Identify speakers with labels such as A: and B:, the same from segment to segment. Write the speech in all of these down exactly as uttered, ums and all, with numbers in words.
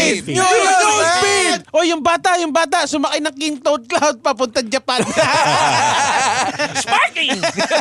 A: Speed!
B: Speed.
A: New
C: Speed!
A: Speed! O yung bata, yung bata, sumakay ng King Toad Cloud papunta Japan.
C: Sparking!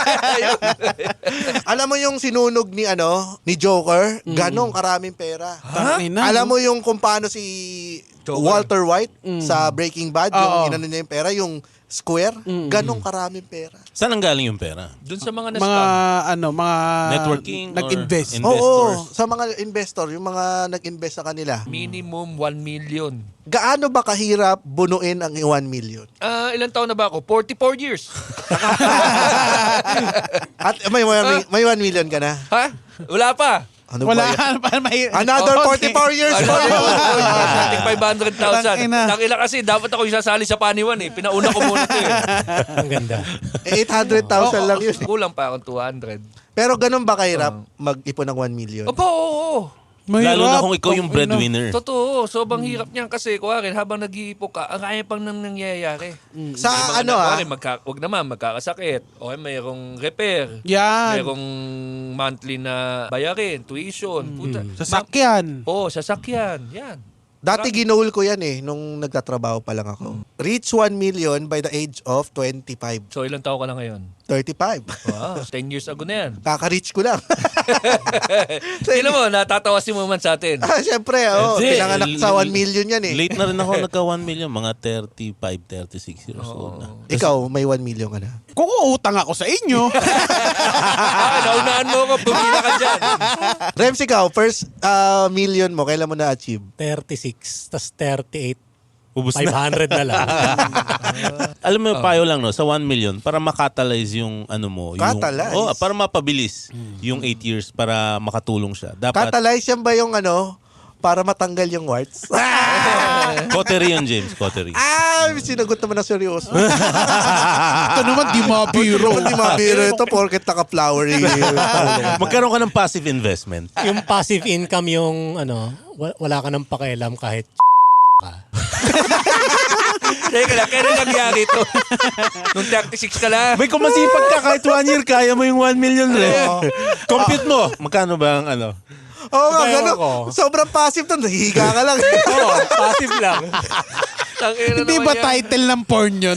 B: Alam mo yung sinunog ni ano, ni Joker, ganong karaming pera.
A: Tangina,
B: Alam
A: no?
B: mo yung kung paano si
C: Joker.
B: Walter White sa Breaking Bad, yung
A: Oo.
B: inano niya yung pera, yung square, ganong karaming pera.
D: Saan ang galing yung pera?
C: Doon sa mga
A: Mga,
C: na-scam.
A: ano, mga...
D: Networking or
A: Nag-invest.
D: in-
B: Oo,
D: Investors.
B: sa mga investor, yung mga nag-invest sa kanila.
C: Minimum one million.
B: Gaano ba kahirap bunuin ang one million?
C: Ah, ilang taon na ba ako? forty-four years.
B: At may, may, may one million ka na?
C: Ha? Wala pa.
B: Ano
A: Wala.
B: ba yan?
A: pa may,
B: Another
A: Oh,
B: forty-four years
C: Ano,
B: pa.
C: five hundred thousand.
A: Tangina.
C: Nakila kasi, dapat ako yung sasali sa paniwan eh. Pinauna ko muna ito eh.
B: Oh.
E: Ang ganda.
B: eight hundred thousand lang yun.
C: Kulang pa akong two hundred.
B: Pero ganun ba kahirap mag-ipon ng one million?
C: Opo, oo, oo.
A: mahirap.
D: Lalo na kung ikaw yung
A: Ano.
D: breadwinner.
C: Totoo. Sobrang hirap niyan kasi, kuwarin, habang nag-iipon ka, ang kaya pang nang nangyayari.
B: Sa
C: May mga
B: ano
C: na-
B: ah,
C: kuwarin, magka, wag naman, magkakasakit. O mayroong repair.
A: Yan.
C: Mayroong monthly na bayarin, tuition. Puta.
A: Sasakyan.
C: Oo, sasakyan. Yan.
B: dati ginoal ko yan eh, nung nagtatrabaho pa lang ako. Reach one million by the age of twenty-five.
C: So, ilang taon ka lang ngayon?
B: thirty-five.
C: Wow, ten years ago na yan.
B: Kaka-reach ko lang.
C: Tignan mo, natatawa si Muman sa atin.
B: Ah, Siyempre, oh,
D: Hindi,
B: pinanganak sa
D: l-
B: one million yan eh.
D: Late na rin ako nagka one million, mga thirty-five, thirty-six years old na.
B: Ikaw, may one million ka na.
A: Kung uutang ako sa inyo.
C: Ah, naunaan mo ko, pumila ka dyan.
B: Rems, ikaw, first ah, million mo, kailan mo na-achieve?
E: thirty-six, tas thirty-eight.
D: Ubus
E: five
D: na.
E: hundred na lang.
D: Alam mo, payo lang no, sa one million, para makatalyze yung ano mo.
B: Catalyze?
D: Yung, oh, para mapabilis yung eight years para makatulong siya. Dapat,
B: Catalyze yan ba yung ano, para matanggal yung warts?
D: Coterie yun, James, Coterie.
B: ah, sinagot naman na seryoso.
A: Ito naman, di mabiro.
B: Hindi mabiro ito porket naka-flowery.
D: Magkaroon ka ng passive investment.
E: Yung passive income yung ano, wa- wala ka nang pakialam kahit ka.
C: Teka lang, kailan nangyari ito? Nung thirty-six ka lang.
D: May kung masipag ka, kahit one year, kaya mo yung one million rin. Compute mo. Magkano ba ang ano?
B: Oo nga,
E: Kaya
B: gano'n.
E: ako.
B: Sobrang passive to. Nahihiga ka lang.
E: Oo, passive lang.
C: Tangina
A: Hindi
C: naman
A: ba
C: yan.
A: title ng porn yun?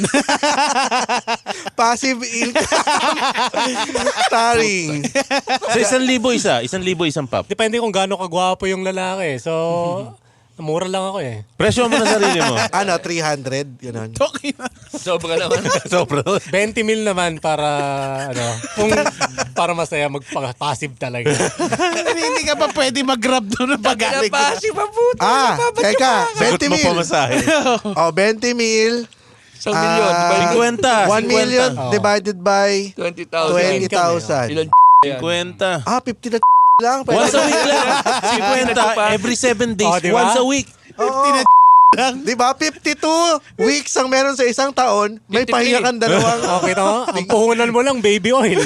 B: Passive income. Starring.
D: Sa isang libo isa, isang libo isang pop.
E: Depende kung gaano kagwapo yung lalaki. So, mura lang ako eh.
D: Presyo mo na sarili mo.
B: Ano, three hundred? Ganun.
A: Okay na.
C: Sobra naman.
D: Sobra.
E: twenty mil naman para, ano, kung para masaya magpa-passive talaga.
A: hindi, hindi ka pa pwede mag-grab doon ng pag-alig.
C: Pinapasi pa puto.
B: Ah, teka.
D: Sagot
B: twenty
D: mo
B: mil.
D: pamasahe.
B: Oh, twenty mil.
C: Isang milyon.
B: Ah,
C: Diba,
D: fifty.
B: one million
E: Oo.
B: divided by
C: twenty thousand.
B: twenty thousand.
C: Ilan yan?
D: fifty.
B: Ah, fifty na lang.
D: Once a week lang. fifty every seven days.
E: Oh, di ba?
D: Once a week.
B: Oo. Di ba? fifty-two weeks ang meron sa isang taon. May
C: fifty-three.
B: pahinga kang dalawang.
E: Okay to? Ang puhunan mo lang, baby oil.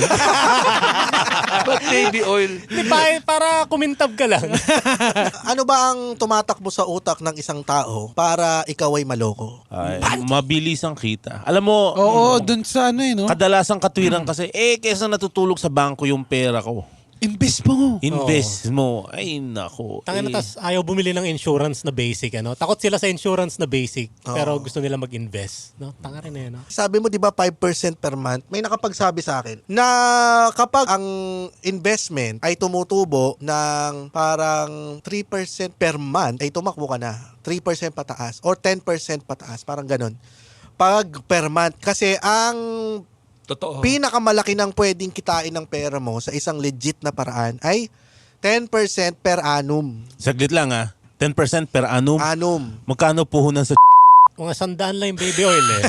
C: Ba't baby oil?
E: Di ba, para kumintab ka lang.
B: Ano ba ang tumatakbo sa utak ng isang tao para ikaw ay maloko?
D: Ay, mabilis ang kita. Alam mo,
A: Oo, dun sa ano eh, no?
D: kadalasang katwiran kasi, eh, kesa natutulog sa bangko yung pera ko.
A: Invest mo.
D: Invest mo. Ay, nako.
E: Tangin
D: Eh,
E: na, tas ayaw bumili ng insurance na basic, ano? Takot sila sa insurance na basic, pero gusto nila mag-invest. No? Tanga rin eh, no?
B: Sabi mo, di ba, five percent per month? May nakapagsabi sa akin na kapag ang investment ay tumutubo ng parang three percent per month, ay tumakbo ka na. three percent pataas or ten percent pataas. Parang ganun. Pag per month. Kasi ang
C: Totoo.
B: pinakamalaki ng pwedeng kitain ng pera mo sa isang legit na paraan ay ten percent per annum.
D: Saglit lang ah. ten percent per annum.
B: Annum.
D: Magkano puhunan sa
E: Mga sandaan lang yung baby oil eh.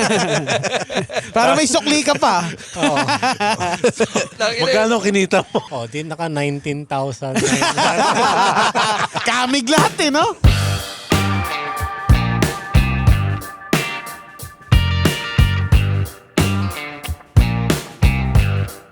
A: Para may sukli ka pa.
E: Oo.
D: Magkano kinita mo?
E: Oh, di naka nineteen thousand.
A: Kamig lahat eh, no?